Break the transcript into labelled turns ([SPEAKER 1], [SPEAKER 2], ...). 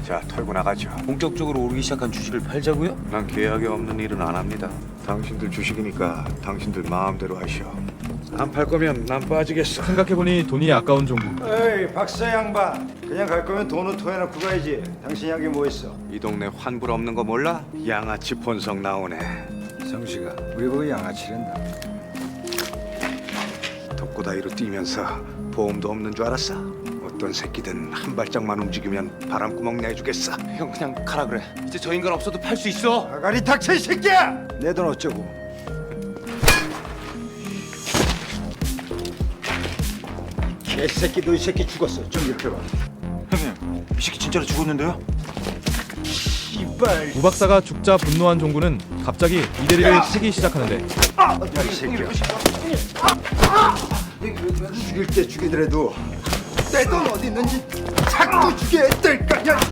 [SPEAKER 1] 자, 털고 나가죠.
[SPEAKER 2] 본격적으로 오르기 시작한 주식을 팔자고요?
[SPEAKER 1] 난 계약이 없는 일은 안 합니다. 당신들 주식이니까 당신들 마음대로 하시오. 안 팔 거면 난 빠지겠어.
[SPEAKER 3] 생각해보니 돈이 아까운 종구.
[SPEAKER 4] 에이 박사 양반, 그냥 갈 거면 돈은 토해놓고 가야지. 당신 여기 뭐 있어?
[SPEAKER 1] 이 동네 환불 없는 거 몰라? 양아치 본성 나오네.
[SPEAKER 4] 성씨가 우리 보고 양아치랜다.
[SPEAKER 1] 덕고다이로 뛰면서 보험도 없는 줄 알았어? 어떤 새끼든 한 발짝만 움직이면 바람구멍 내주겠어.
[SPEAKER 2] 형 그냥 가라 그래. 이제 저 인간 없어도 팔 수 있어.
[SPEAKER 4] 아가리 닥쳐 이 새끼야! 내 돈 어쩌고? 개새끼, 너 이 새끼 죽었어. 좀 이렇게 봐.
[SPEAKER 5] 형님, 이 새끼 진짜로 죽었는데요?
[SPEAKER 4] 이빨.
[SPEAKER 3] 우 박사가 죽자 분노한 종구는 갑자기 이대리를 치기 시작하는데
[SPEAKER 4] 이 새끼야. 죽일 때 죽이더라도 내 돈 어디 있는지 자꾸 죽여야 될 거야.